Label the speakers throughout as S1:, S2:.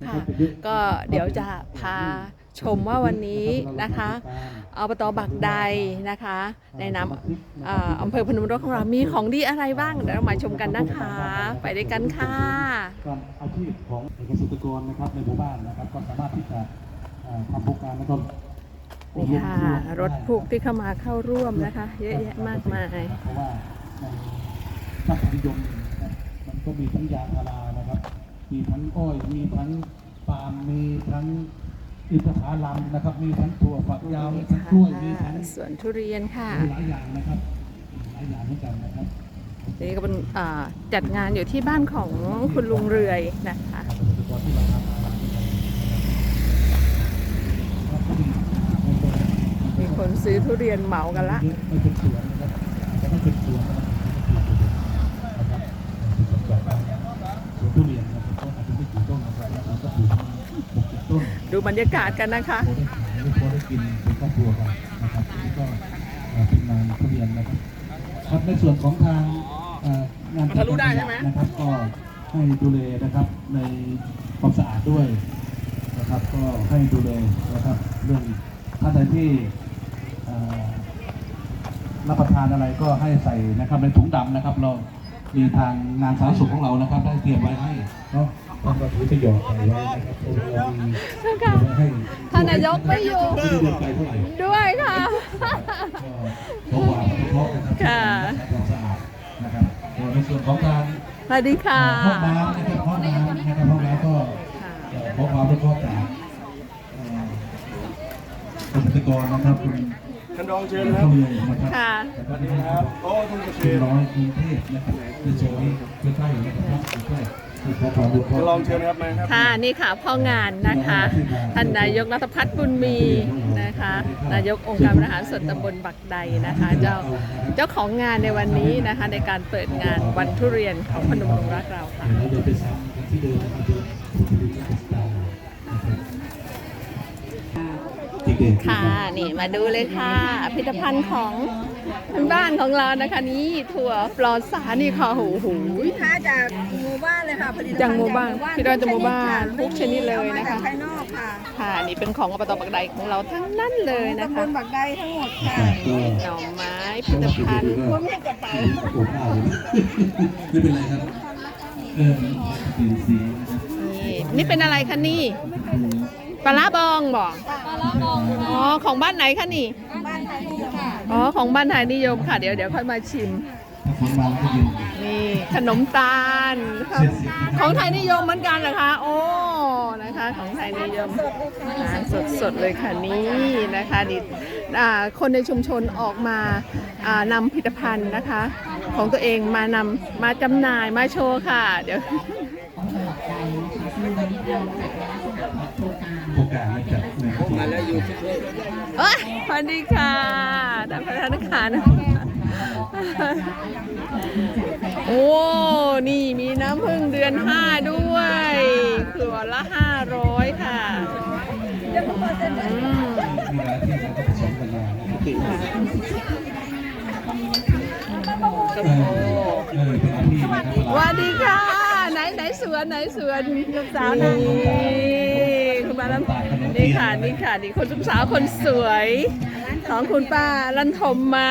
S1: ค่ะ ก็เดี๋ยวจะพาชมว่าวันนี้นะคะอบต.บักใดนะคะในนามอำเภอพนมรุ้งของเรามีของดีอะไรบ้างเดี๋ยวเรามาชมกันนะคะไปด้วยกันค่ะ
S2: การอาชีพของเกษตรกรนะครับในหมู่บ้านนะครับก็สามารถที่จะทำโครงการแล้วก็
S1: นี่ค่ะรถผูกที่เข้ามาเข้าร่วมนะคะเยอะแยะมากมาย
S2: เพราะว่าในภาคนิยมมันก็มีทั้งยางพารานะครับมีทั้งอ้อยมีทั้งปาล์มมีทั้งอินทผลัมนะครับมีทั้งถั่วฝักยาวมีทั้งกล้วยมีทั้ง
S1: สวนทุเรียนค่ะ
S2: หลายอย่างนะครับหลายอย่างเหมือนกันนะครับ
S1: นี่ก็เป็นจัดงานอยู่ที่บ้านของคุณลุงเรือยนะคะมีคนซื้อทุเรียนเหมากันละ
S2: ไม่เป็นสวนนะครับจะไม่เป็นสวนนะครับสวนทุเรียนนะครับก็อาจจะไม่กี่ต้นนะครับแล้วก็ปลูก6-7 ต้น
S1: ดูบรรยากาศกันนะคะ
S2: พอได้ขายพอได้กินเป็นครอบครัวกันนะครับนี่ก็เป็นงานทุเรียนนะครับครับในส่วนของทางงานทะลุได้ใช่ไหมนะครับก็ให้ดูแลนะครับในความสะอาดด้วยนะครับก็ให้ดูแลนะครับเรื่องท่านใดที่รับประทานอะไรก็ให้ใส่นะครับในถุงดำนะครับเรามีทางงานสาธารณสุขของเรานะครับได้เตรียมไว้ให้เนาะท่านก็ถือประโยชน์ไว้นะครับเรามีให้
S1: ท่านนายกไม่อยู่ด้วยค่ะ
S2: เพราะว่าเพราะนะครับความสะอาดนะครับในส่วนของการ
S1: สวัสดีค่ะ
S2: ห้องน้ำนะครับห้องน้ำนะครับห้องน้ำก็ขอความร่วมมือจากเกษตรกรนะครับคุณ
S3: ท่านรองเชิญครับ
S1: ค่ะ
S3: ครับโอ้ท่านเกษตร
S2: ร้อยกรุงเทพนะครับในโซนนี้ใกล้ๆนะครับใกล้
S3: ท่านรองเชิญครับมาครับ
S1: ค่ะนี่ค่ะพ่องานนะคะท่านนายกณัฐพัฒน์บุญมีนะคะนายกองค์การบริหารส่วนตำบลบักใดนะคะเจ้าของงานในวันนี้นะคะในการเปิดงานวันทุเรียนของพนมรุ้งรักเราค่ะค่ะนี่มาดูเลยค่ะผลิตภัณฑ์ของบ้านของเรานะคะนี่ถั่วปลอดสารนี่ค่ะหู
S4: ค้าจากหมู่บ้านเลยค่ะผลิตภัณฑ์
S1: จากหมู่บ้านพี่ดอนจากหมู่บ้านทุกชนิดเลยนะคะ
S4: ภายนอกค่ะ
S1: ค่ะนี่เป็นของอบต.บักใดของเราทั้งนั้นเลยนะคะ
S4: ตำบลบักใดทั้งหมดค่ะ
S1: หน่อไม้ผลิตภัณฑ์
S4: รวมให้กระเป๋า
S2: ไม่เป็นไรครับ
S1: นี่เป็นอะไรคะนี่ปลาร้าบองบอก
S4: ปลาร้าบอง
S1: อ๋อของบ้านไหนคะนี่
S4: บ้านไทยนิยมค่ะ
S1: อ๋อของบ้านไทยนิยมค่ะเดี๋ยวค่อยมาชิมนี่ขนมตาลของไทยนิยมเหมือนกันเหรอคะโอ้นะคะของไทยนิยมสดเลยค่ะนี่นะคะดิคนในชุมชนออกมานำผลิตภัณฑ์นะคะของตัวเองมาจำหน่ายมาโชว์ค่ะเดี๋ยว
S2: โอกาสมาจาก
S3: มาแล้วอยู่ที่
S1: สวัสดีค่ะท่านประธานค่ะโอ้นี่มีน้ำผึ้งเดือน5ด้วยขวดละ500ค่ะสวัสดีค่ะไหนสวนลูกสาวนี่คุณป้านี่ค่ะนี่คนลูกสาวคนสวยของคุณป้าลันทมมา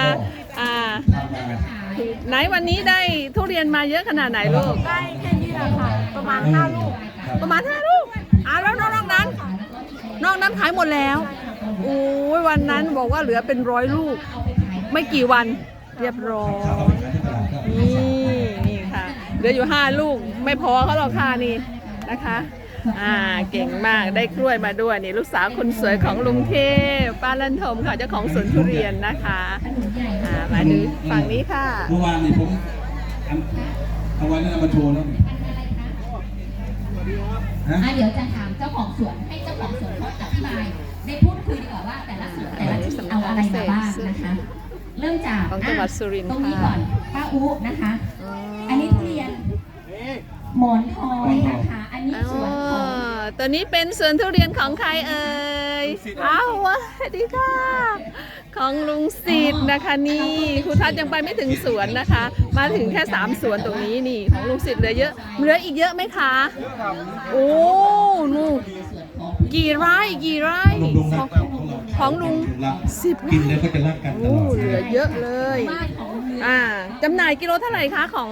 S1: ไหนวันนี้ได้ทุเรียนมาเยอะขนาดไหนลูก
S4: ได้แค่นี้แหละค่ะประมาณ5 ลูก
S1: แล้วนอกนั้นขายหมดแล้วโอ้ยวันนั้นบอกว่าเหลือเป็น100 ลูกไม่กี่วันเรียบร้อยนี่ค่ะเหลืออยู่5 ลูกไม่พอเขาหรอกค่ะนี่นะคะเก่งมากได้กล้วยมาด้วยนี่ลูกสาวคนสวยของลุงเทพป้าลันทมค่ะเจ้าของสวนทุเรียนนะคะมาดูฝั่งนี้ค่ะ
S2: เมื่อวานนี้ผมเอาไว้แล้วมาโชว์แล้ว
S5: เดี๋ยวจะถามเจ้าของสวนให้เจ้าของสวนเขาอธิบายได้พูดคุยดีกว่าว่าแต่ละสวนแต่ละที่เอาอะไรมาบ้างนะคะเริ่มจาก
S1: จังหวัดสุรินทร์
S5: ตรงนี้ก่อนป้าอุนะคะอันนี้ทุเรียนหมอนทองนะคะอันนี้สวนของ
S1: ตัวนี้เป็นสวนทุเรียนของใครเอ่ยอ้าวสวัสดีค่ะของลุงศิษย์นะคะนี่ครูทัศน์ยังไปไม่ถึงสวนนะคะมาถึงแค่3 สวนตรงนี้นี่ของลุงศิษย์เหลืออีกเยอะไหมคะโอ้นู่กี่ไร่
S2: ลุงรัก
S1: ของลุง 10
S2: กินแล้วก็จะรักกันต
S1: โอ้
S2: ลอด
S1: เหลือเยอะเลย
S5: บ้านของลุง
S1: จำหน่ายกิโลเท่าไหร่คะของ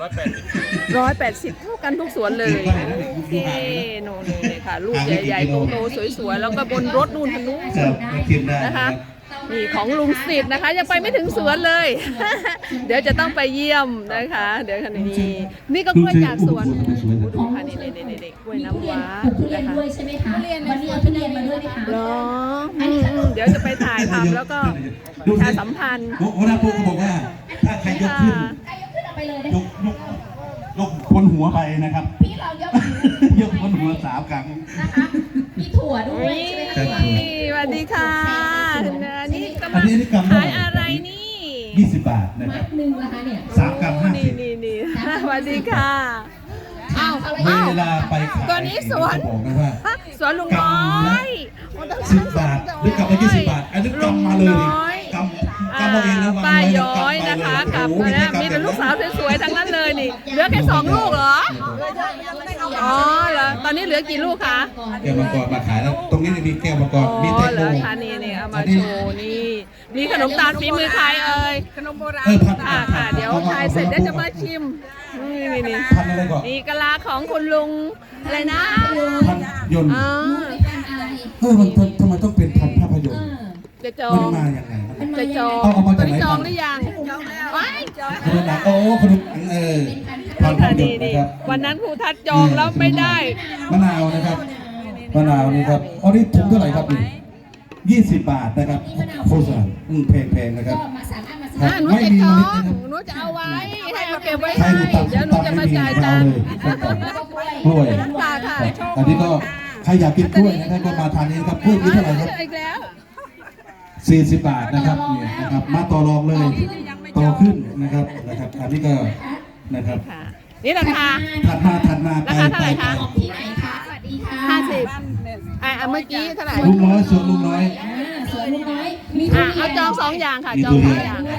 S1: 180 เท่ากันทุกสวนเลยโอเคโน่นเลยค่ะลูกใหญ่ๆโตๆสวยๆแล้วก็บนรถนู่นทางนู้น
S2: ครับกินได้
S1: นะคะ นี่ของลุงสิทธิ์นะคะยังไปไม่ถึงสวนเลย เดี๋ยวจะต้องไปเยี่ยมนะคะ เดี๋ยวคันนี้นี่ก็กล้วยจากสวนดูค่ะนี่กล้วยน้ำว้า
S5: ปลูกทุเรีย
S1: นะ
S5: น
S1: คะ
S5: ด้วยใช่ไหมคะวันนี้เอาทุเรียนมาด้วยไหมคะ
S1: เหรอเดี๋ยวจะไปถ่ายทำแล้วก็ประชาสัมพันธ์
S2: หัวหน้าปุ๊กบอกว่าถ้าใครยกขึ้น
S5: ใครยกขึ้นเอาไปเลยนะ
S2: ยกคนหัวไปนะครับ
S5: พี่เรายก
S2: ยกคนหัว3 ครั้ง
S5: นะคะมีถั่วด้วยใช่ไหมคะ
S1: สวัสดีค่ะนี่กำ
S2: อั
S1: ลั
S2: น
S1: ง
S2: นี้กำลัง
S1: ขายอะไรนี่
S2: 20 บาทนะค
S5: มั
S2: รับ
S5: ดหนึ่งนะคะเนี่ย
S2: 3 กรัม
S1: นี่สวัสดีค่ะอ้าว
S2: 50เวลาไปขาย
S1: ตัวนี้สวน
S2: บอกนะว่า
S1: สวนลุงน้อย
S2: 10 บาทหรือกำละ20 บาท อันนี้กำมาเลยดิกำมาเองนะ
S1: ป้าย้อยนะคะกับมีแต่ลูกสาวสวยๆทั้งนั้นเลยนี่เหลือแค่2 ลูกเหรออ๋อเหรอตอนนี้เหลือกี่ลูกคะ
S2: แก้วมังกรมาขายแล้ว ตรงนี้มีแก้วมังก
S1: อ๋
S2: ร มีแต
S1: อง เหร
S2: โม
S1: อคะนี่เอามาโชว์นี่มีขนมตาลฝีมือใครเอ่ยขนมโบราณค่ะเดี๋ยวถ่ายเสร็จเดี๋ยวจะมาชิมนี่
S2: พันอะไรก่อน
S1: นี่กะลาของคุณลุงอะไรนะ
S2: พันยนต์
S1: อ๋อ
S2: มันทำไมต้องเป็นพันภาพยนตร์
S1: จะจอ
S2: มัน
S1: ง
S2: มาอย่างไง
S1: จะจอง
S2: เอามาจากไหน
S1: จองหรือยังว้าย
S2: ขนมหนังโอ้ขนมพันภาพยน
S1: นี่
S2: ตร์นะครับ
S1: วันนั้นครูทัดจองแล้วไม่ได้
S2: มะนาวนะครับมะนาวนี่ครับอ๋อนี่ถุงเท่าไหร่ครับนี่20 บาทนะครับโฆษณาแพงๆนะครับ
S5: ก็มาสามารถมาซื้อ
S1: หนูจะจองหนูจะเอาไว้ให้เอาเก็บไว้ให้เดี๋ยวหนูจะมาจ่ายตังค์
S2: กล้วย
S1: ตาค่ะ
S2: อันนี้ก็ใครอยากกินกล้วยนะครับก็มาทานนี้ครับกล้วยนี้เท่าไหร่ครับ
S1: อีกแล้ว
S2: 40 บาทนะครับเนี่ยนะครับมาต่อรองเลยต่อขึ้นนะครับอันนี้ก็นะครับ
S1: ค่ะนี่ราคา
S2: ถัดมาไป
S1: ราคาเท่าไหร่คะ
S5: ของที่ไหนคะสวัสดีค่ะ
S1: 50เมื่อกี้เท่าไหร่
S2: ลุงน้อยส่วนลุงน้อย
S5: สวนลุงน้อยมีทุเรียน
S1: เอาจอง2 อย่างค่ะ
S2: มี
S1: จอง
S2: ทุเรียน
S1: 2 อย่าง
S5: ด้วย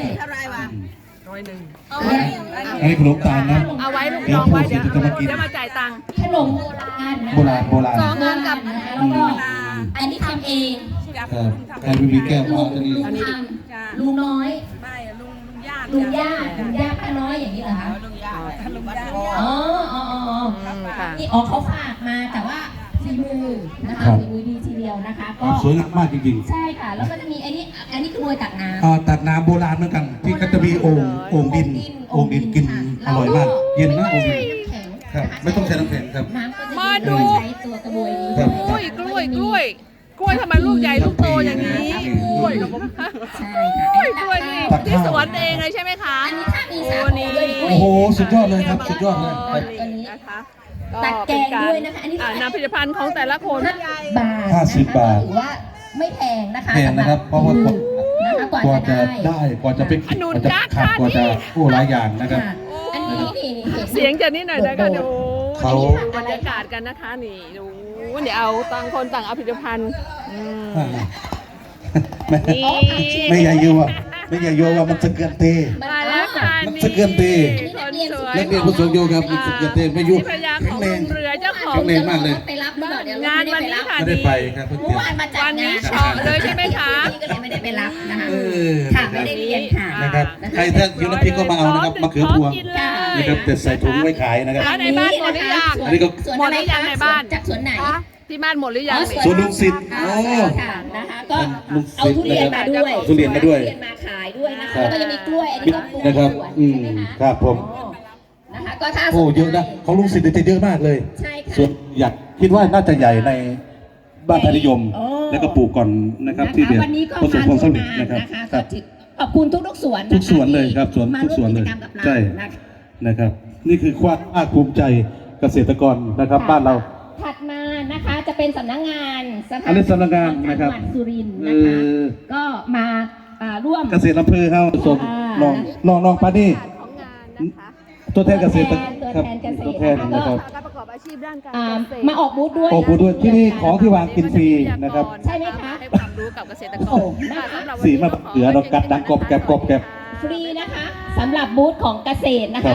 S2: อันนี้ขนมตาลนะ
S1: เอาไว้ลูกจองไว้เดี๋ยวมาจ่ายตังค์
S5: ขนมโบราณนะ
S2: โบราณโบราณ
S1: สองงานกับ
S5: นะคะแล้วก็อันนี้ทำเอง
S2: ใครไม่มีแก้ว
S5: ลุ
S2: เอา
S5: ง
S2: อันนี้
S5: ทำลุงน้อยลุงย่าป้าน้อยอย่างนี้เหรอคะอ๋อ
S1: ค่ะ
S5: นี่เขาฝากมาแต่ว่าฝีมือนะคะฝีมือดีทีเดียวนะคะก็
S2: สวยงามมากจริง
S5: ใช่ค่ะแล้วก็จะมีอันนี้คือกรวยตักน้ำ
S2: ๆตักน้ำโบราณเหมือนกันที่ก็จะมีโอ่งดินกินอร่อยมาก เย็นนะโอ่งดิน
S5: น้ำแข็ง
S2: ครับไม่ต้องใช้น้ำแข็งครับ
S5: น้ำก็จะ
S1: มาดู
S5: ใช้ตัวกระบวยนี้
S2: ครับ
S1: กล้วยทำไมลูกใหญ่ลูกโตอย่างนี้กล้วย
S5: ใช่
S1: กล้วยนี่ที่สวนเองเลยใช่ไหมคะ
S5: อันนี้ถ้ามี
S1: โอ้
S5: สา
S1: นี่
S5: ด้วย
S2: โอ้โหสุดยอดเลยครับสุดยอดเลยครับ
S1: นี่นะคะ
S5: ตัดแกงด้วยนะคะอันนี้
S1: นำผลิตภัณฑ์ของแต่ละคน
S5: บาท
S2: 50 บาท
S5: ถือว่าไม่แพงนะคะ
S2: แพงนะครับเพราะว่า
S5: นะคะกว่าก
S2: ว่า
S5: จะ
S2: จะ
S5: ได้
S2: ได้กว่าจะไปกว่าจะขัดกว่าจะหลายอย่างนะครับ
S5: ค่ะอันนี้นี่เห็น
S1: เสียงจะนิดหน่อยนะคะดู
S2: เขา
S1: ดูบรรยากาศกันนะคะนี่ดูเดี๋ยวเอาต่างคนต่างเอาผลิตภัณฑ์
S2: ไม่
S1: นี่
S2: ไม่ใหญ่ยัวไม่ใหญ่ยัวว่ามันสะเกินเตะ
S1: มาแล้วค่ะ
S2: มัน
S1: นี่
S2: สะเกินตี
S1: คนสวย
S2: นักเรียนผู้สูงอายุครับมันสะเกินเตะไม่ยุ่
S1: นี่ภรรยาของลุงเรือเจ้าของ
S2: แข็งแรงมากเลย
S5: ไปรับหรือเปล่าเดี๋ยว
S1: งานวันนี้ค่ะ
S2: ไม่ได้ไปครับเพิ่ง
S5: เมื่
S2: เตรี
S5: อย
S2: ม
S5: วานมาจัด
S1: วันนี้
S5: งาน
S1: เฉาะเลยใช่ไหมคะ
S5: ก็เลยไม่ได้ไปรับนะคะ
S2: เออ
S5: ค่ะไม่ได้เรียนค่ะ
S2: นะครับใครถ้าอยู่น้ำพริกก็มาเอานะครับมะเขือพวง
S1: กินเลย
S2: นะครับแต่ใส่ถุงไว้ขายนะครับ
S1: แล้วในบ้านหมดหรือยัง
S2: อันนี้ก็
S5: สวน
S1: หมดหรือยังในบ้าน
S5: จากสวนไหน
S1: ที่บ้านหมดหรือยัง
S2: สวนลุงสิทธิ์
S5: อ๋อ
S2: โอ้
S5: ค่ะนะคะก็
S2: ลุง
S5: เอา
S2: สิทธิ์
S5: ทุเรียนมาด้วย
S2: ทุเรียนมาด้วย
S5: ทุเรียนมาขายด้วยนะคะแล้วก็ยังมีกล้วยอันนี้ก็ปลูก
S2: นะครับ
S5: สวน
S2: อืม
S5: ใช่ไหมคะ
S2: ครับผม
S5: อ๋อนะคะก็ถ้า
S2: โอ้เยอะนะของลุงสิทธิ์จะเยอะมากเลย
S5: ใช่ค่ะ
S2: ส่วนอยากคิดว่าน่าจะใหญ่ในบ้านไทยนิยม
S5: โอ้
S2: แล้วก็ปลูกก่อนนะครับที่เดียว
S5: วันนี้ก็
S2: ประสบ
S5: มา
S2: ความ
S5: ร่ว
S2: สำ
S5: ม
S2: เร็จ
S5: งาน
S2: นะครับ
S5: นะคะ
S2: ครับ
S5: ขอบคุณทุกๆสวนนะคะ
S2: ทุกสวนเลยครับสวน
S5: มา
S2: ทุกสวนเลย
S5: ร่วมกิจกรรมกับเรา
S2: ใช่
S5: นะคะ
S2: นะครับ นี่คือความภาคภูมิใจเกษตรกรนะครับ บ้านเรา
S5: ถัดมานะคะจะเป็นสำนักงานสภา
S2: อันนี้สำนักงานนะครับ
S5: จังหวัดสุรินทร์นะคะ ก็มาร่วม
S2: เกษตรอำเภอเขาสม
S5: อ่า
S2: ลองปานี่
S1: ของงานนะคะ
S2: ตัวแทนเกษตร
S5: ตัวแทนเกษตร
S2: ตัวแทนนะครับ
S1: การประกอบอาชีพด้านการ
S5: อ่า
S1: เกษตร
S5: มาออกบูธด้วย
S2: โอ้โหด้วยที่นี่ของที่วางกินฟรีนะครับ
S5: ใช่ไหมคะ
S1: ให้ความรู้กับเกษตรก
S5: โอ้
S1: ร
S5: โห
S1: ค่ะสำหรับวัน
S2: สี
S1: นี้
S2: มาเหลือเรากัดดังกรอบแกรบ
S5: ฟรีนะคะสำหรับบูธของเกษตรนะคะ